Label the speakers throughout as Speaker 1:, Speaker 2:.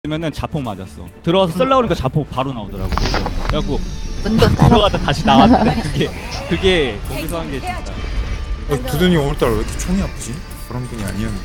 Speaker 1: 면은 자폭 맞았어. 들어와서 썰라 그러니까 자폭 바로 나오더라고. 그래갖고
Speaker 2: 문도 따라.
Speaker 1: 들어가다 다시 나왔는데 그게 거기서 한 게 진짜.
Speaker 3: 두둔이 오늘따라 왜 이렇게 총이 아프지? 그런 분이 아니었는데.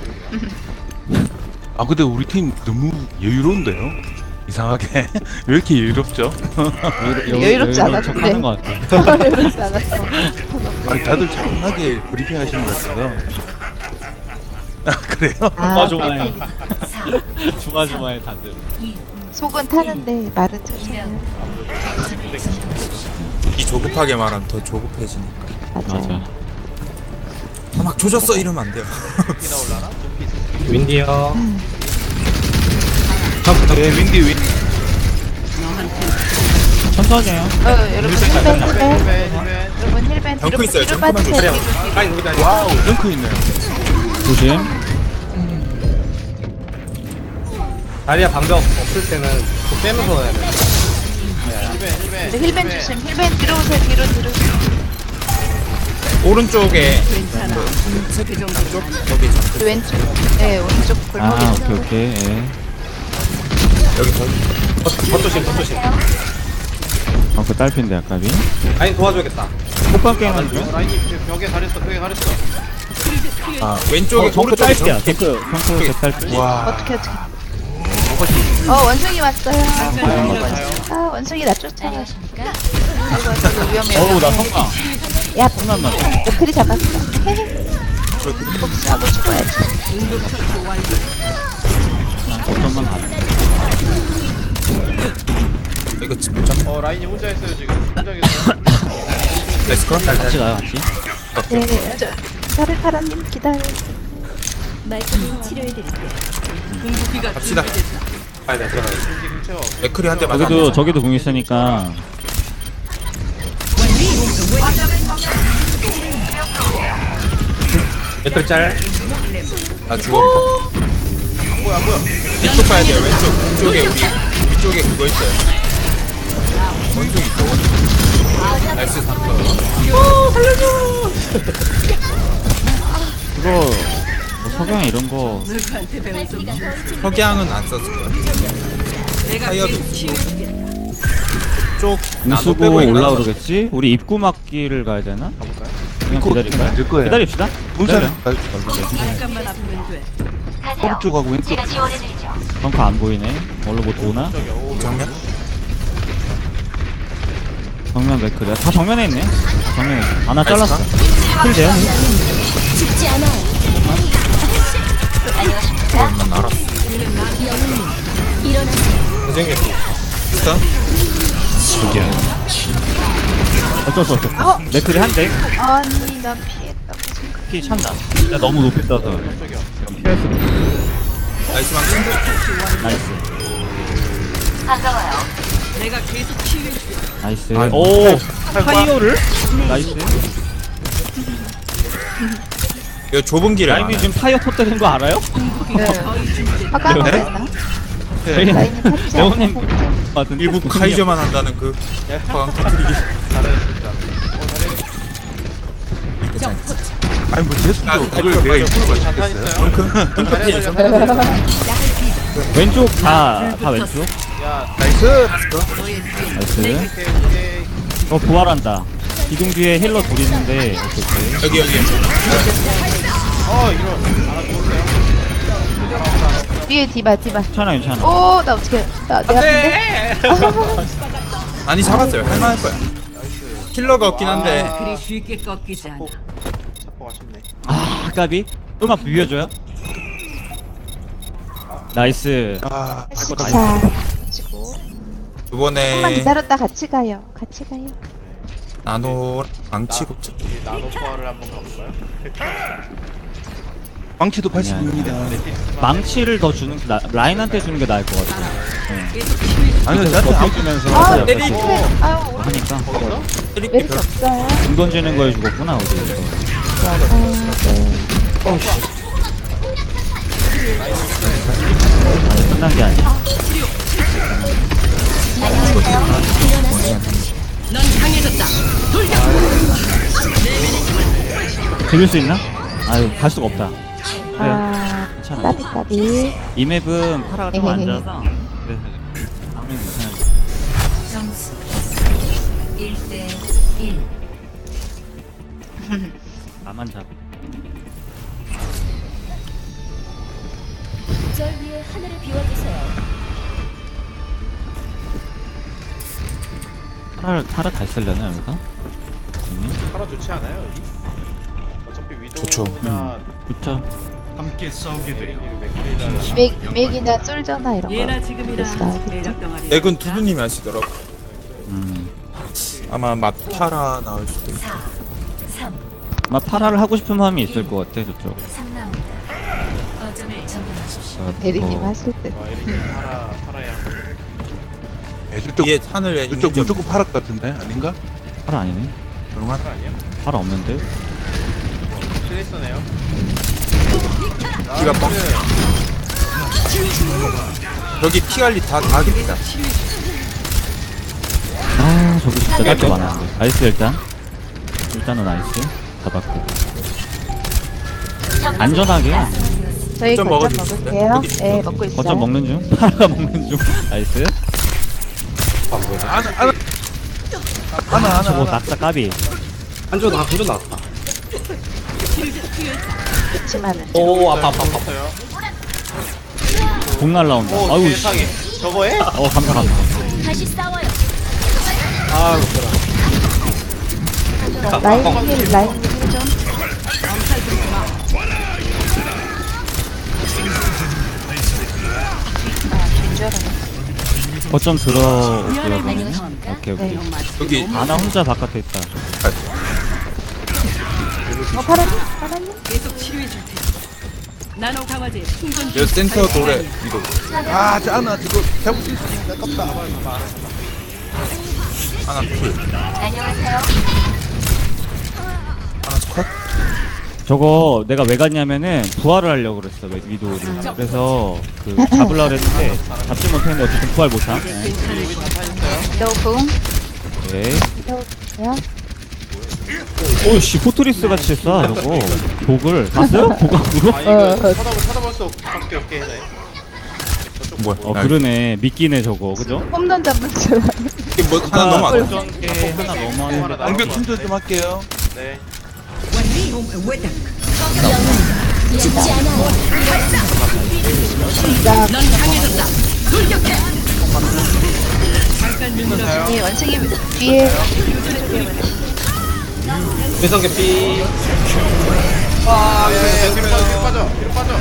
Speaker 4: 아 근데 우리 팀 너무 여유로운데요? 이상하게 왜 이렇게 여유롭죠?
Speaker 2: 여유롭지 않았는데.
Speaker 1: 하는 것 같아.
Speaker 2: 여유롭지 않았어.
Speaker 4: 아니 다들 차분하게 브리핑 하시는 것 같아요. 아 그래요?
Speaker 1: 조마조마해. 조마조마해 다들.
Speaker 2: 속은 타는데 말은 천천히.
Speaker 3: 이 조급하게 말하면 더 조급해지니까.
Speaker 1: 맞아.
Speaker 3: 막 조졌어 이러면 안 돼요.
Speaker 4: 윈디요. 네 윈디.
Speaker 1: 천천히 해요.
Speaker 2: 여러분 힐벤. 여러분 힐벤
Speaker 3: 덩크
Speaker 2: 뒤로
Speaker 3: 있어요,
Speaker 2: 뒤로
Speaker 3: 덩크만
Speaker 2: 빠지세요.
Speaker 4: 와우 덩크 있네요.
Speaker 1: 조심.
Speaker 5: 다리야 방벽 없을 때는 또 빼면서 해야 돼.
Speaker 2: 네, 힐벤 조심. 힐벤 뒤로 오세요. 뒤로.
Speaker 3: 오른쪽에 쪽 거기 잠깐
Speaker 2: 왼쪽. 네 오른쪽 골목에.
Speaker 1: 오케이. 예.
Speaker 3: 여기 더
Speaker 5: 겉조심.
Speaker 1: 그 딸핀데 아까비.
Speaker 5: 아니 도와줘야겠다.
Speaker 1: 호빵 게임 하죠.
Speaker 5: 라인이 벽에 가렸어. 벽에 가렸어.
Speaker 3: 왼쪽에
Speaker 1: 정크
Speaker 3: 오른쪽에
Speaker 1: 딸피야. 정크 제 딸피.
Speaker 4: 와
Speaker 2: 어떻게. 원숭이 왔어요. 원숭이 나 쫓아요. 이거 위험해요.
Speaker 1: 어우 나 성강.
Speaker 2: 야,
Speaker 1: 성난만.
Speaker 2: 너클이 잡았어. 복수하고 죽어야지.
Speaker 1: 어떤만 가.
Speaker 3: 이거 못 잡.
Speaker 5: 라인이 혼자 있어요 지금. 혼자 있어요.
Speaker 3: 레스크럼
Speaker 1: 같이 가요 같이.
Speaker 2: 네, 사르카라님 기다려.
Speaker 3: 갑시다.
Speaker 5: 아니 나 들어가요.
Speaker 3: 맥크리 한 대 맞아.
Speaker 1: 저기도 궁 있으니까.
Speaker 5: 배터리 짤.
Speaker 3: 나 죽어. 뭐야? 이쪽 봐야 돼요. 왼쪽에 위쪽에 그거 있어요. 원숭이 있어. 나이스 3번.
Speaker 1: 그거 뭐 석양이 이런 거
Speaker 3: 석양은 안 썼을 거야. 타이어도 있고. 쪽
Speaker 1: 물 쓰고 올라오르겠지? 우리 입구 막기를 가야 되나? 그냥 기다릴까요?
Speaker 4: 될 거예요.
Speaker 1: 기다립시다.
Speaker 4: 문사를
Speaker 1: 기다려.
Speaker 4: 오른쪽하고 왼쪽.
Speaker 1: 벙커 안 보이네. 얼로 못 오나?
Speaker 3: 정면?
Speaker 1: 정면 맥크다. 다 정면에 있네. 다 정면에 있네. 하나 잘랐어. 킬 돼요?
Speaker 3: 난 알았어. 선생님. 일단
Speaker 1: 어쩔 수 없어. 맥크리 한 대.
Speaker 2: 아니, 나 피했다.
Speaker 1: 키 찬다. 야, 너무 높이 떠서. 피할 수 없어.
Speaker 3: 나이스 망치.
Speaker 1: 나이스. 나이스.
Speaker 3: 아이고.
Speaker 1: 오! 타이어를? 나이스.
Speaker 3: 이거 좁은 길을
Speaker 1: 라임이
Speaker 3: 안
Speaker 1: 지금 타이어 터뜨린 거 알아요?
Speaker 2: 네. 화가
Speaker 1: 네?
Speaker 2: 됐나?
Speaker 1: 저희
Speaker 2: 라인이 탔지
Speaker 1: 레오님
Speaker 2: 않았어?
Speaker 1: 같은
Speaker 3: 일부 카이저만 한다는 그 화강 터뜨리기.
Speaker 4: 아니 뭐 제스도 그걸 내가 입고 맞췄겠어요?
Speaker 1: 왼쪽 다 왼쪽.
Speaker 4: 나이스.
Speaker 1: 나이스. 부활한다. 기둥 뒤에 힐러 둘 있는데 어떻게?
Speaker 3: 여기.
Speaker 2: 뒤에 디바.
Speaker 1: 괜찮아.
Speaker 2: 오, 나 어떻게? 내 앞인데?
Speaker 3: 아니 잡았어요. 할만할 거야. 킬러가 없긴 한데.
Speaker 6: 그리 쉽게 꺾이지 않아.
Speaker 1: 까비. 좀만 비벼줘요. 나이스.
Speaker 4: 아
Speaker 2: 자, 지고. 조금만
Speaker 3: 이번에
Speaker 2: 기다렸다 같이 가요.
Speaker 3: 나노 망치 곱창.
Speaker 5: 나노 포화를 한번 가볼까요?
Speaker 4: 망치도 80입니다.
Speaker 1: 망치를 더 주는 게 라인한테 주는 게 나을 것 같아.
Speaker 4: 아니요 저한테 아무
Speaker 1: 버텨주면서
Speaker 2: 아,
Speaker 3: 때리.
Speaker 2: 아유,
Speaker 1: 하니까
Speaker 2: 메리트 없어요.
Speaker 1: 공 던지는 거에 죽었구나 어디. 아직 끝난 게 아니야.
Speaker 6: 넌 강해졌다.
Speaker 1: 비빌 수 있나? 아유 갈 수가 없다.
Speaker 2: 아,
Speaker 1: 자 괜찮아.
Speaker 2: 까비 까비.
Speaker 1: 이 맵은 파라가 좀 앉아서 그래서 아무리 괜찮아.
Speaker 6: 점수 1대 1.
Speaker 1: 나만 잡.
Speaker 7: 절 위에 하늘을 비워주세요.
Speaker 1: 파라 잘 쓰려나 여기서?
Speaker 8: 팔아 좋지 않아요 여기? 어차피
Speaker 3: 좋죠.
Speaker 8: 위도우나
Speaker 1: 그쵸.
Speaker 2: 맥이나 쫄잖아 이런
Speaker 6: 예나
Speaker 2: 거.
Speaker 6: 지금이나
Speaker 2: 됐어.
Speaker 6: 매력 덩어리.
Speaker 3: 액은 두두님이 하시더라고.
Speaker 1: 음.
Speaker 3: 아마 맛파라 나올 수도 있고.
Speaker 6: 4 3
Speaker 1: 아마 파라를 하고 싶은 마음이 있을 것 같아 저쪽.
Speaker 6: 3라운드. 거점을 점령하십시오.
Speaker 2: 대리님
Speaker 1: 어,
Speaker 2: 하실 때.
Speaker 8: 와 이렇게 팔아야
Speaker 4: 애들
Speaker 3: 뒤에 하늘에
Speaker 4: 이쪽
Speaker 3: 있는
Speaker 4: 무조건 파락 같은데 아닌가?
Speaker 1: 파라 아니네.
Speaker 3: 조용한.
Speaker 8: 팔아 아니야?
Speaker 1: 파라 없는데?
Speaker 8: 트레이서네요.
Speaker 3: 피가 뻥. 여기 피 관리 다 겠다.
Speaker 1: 아 저기 진짜 깔게 많았는데. 나이스 일단은 나이스 잡았고.
Speaker 2: 저희
Speaker 1: 안전하게
Speaker 3: 거점
Speaker 2: 거점
Speaker 3: 먹어주세요.
Speaker 2: 먹을게요.
Speaker 3: 여기
Speaker 2: 네 먹고 있어요.
Speaker 1: 거점 먹는 중. 파라가 먹는 중. 나이스. 저거 낙사 까비.
Speaker 5: 한조 나왔다.
Speaker 2: 그렇지만은
Speaker 5: 오 아파.
Speaker 8: 없어요.
Speaker 1: 공 날라온다.
Speaker 8: 오
Speaker 1: 아유 씨.
Speaker 8: 세상에. 저거에?
Speaker 1: 감사.
Speaker 7: 다시 싸워요.
Speaker 5: 아 웃겨라.
Speaker 2: 라인 힐 좀. 줄 알았네.
Speaker 1: 거점 들어오고요.
Speaker 7: 안녕하십니까?
Speaker 1: 오케이.
Speaker 2: 네.
Speaker 3: 여기
Speaker 1: 아나 혼자 바깥에 있다.
Speaker 2: 파란님?
Speaker 6: 계속 치료해 줄 테니. 나노 강화제 충전 중.
Speaker 3: 여 센터 돌에 이거.
Speaker 4: 아 짜나 이거 잡을 수 있으니까 깝다.
Speaker 3: 하나 풀.
Speaker 7: 안녕하세요.
Speaker 3: 하나 컷.
Speaker 1: 저거 내가 왜 갔냐면은 부활을 하려고 그랬어 위도우를. 그래서 그 잡으려고 했는데 잡지 못했는데 어쨌든 부활 못함. 네.
Speaker 2: 위도우궁.
Speaker 1: 네.
Speaker 2: 위도우궁이요.
Speaker 1: 오씨 포트리스 같이 쏴 저거. 독을 봤어요? 고각으로?
Speaker 8: 아 이거 쳐다볼 수 없게 해.
Speaker 3: 뭐야?
Speaker 1: 그러네. 미끼네 저거. 그죠?
Speaker 2: 홈런 잡는 줄 알았네.
Speaker 3: 이게 뭐 하나 넘어.
Speaker 1: 고정계 하나 넘어왔는데.
Speaker 4: 방벽 충전 좀 할게요.
Speaker 8: 네.
Speaker 7: 죽지 않아요.
Speaker 6: 넌 강해졌다. 돌격해. 잠깐 눈
Speaker 2: 이 원숭이 뒤에
Speaker 5: 대성 개피.
Speaker 8: 뒤로 빠져. 뒤로 빠져.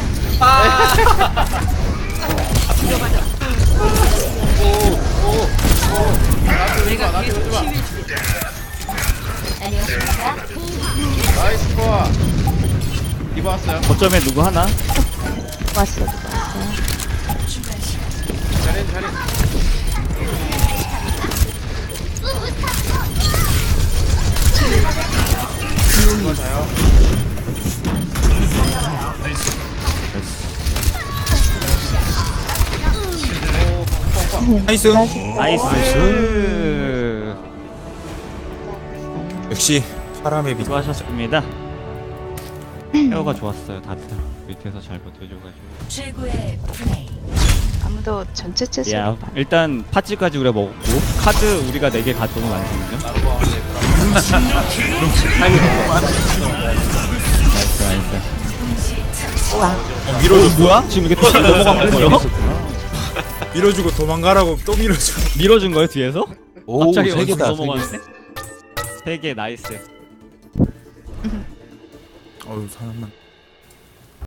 Speaker 6: 내가 계속 치유해
Speaker 7: 안녕하십니까?
Speaker 8: 나이스 코아. 이거 왔어요.
Speaker 1: 거점에 누구 하나?
Speaker 2: 왔어.
Speaker 8: 잘해. 맞아요.
Speaker 3: 나이스.
Speaker 1: 나이스.
Speaker 3: 역시 사람의 빛.
Speaker 1: 수고하셨습니다. 헤어가 좋았어요 다들. 밑에서 잘 버텨줘가지고.
Speaker 6: 최고의 플레이.
Speaker 2: 아무도 전체 채소.
Speaker 1: 야 일단 파츠까지 우리가 먹고 카드 우리가 4개 가져온 거 아니거든요? 나이스.
Speaker 3: 밀어주고
Speaker 1: 뭐야? 지금 이게 또 넘어간 거예요?
Speaker 3: 밀어주고 도망가라고 또 밀어주고.
Speaker 1: 밀어준 거예요 뒤에서?
Speaker 4: 오
Speaker 1: 갑자기
Speaker 4: 3개다.
Speaker 1: 넘어가는데? 3개 나이스.
Speaker 3: 어우 사람만.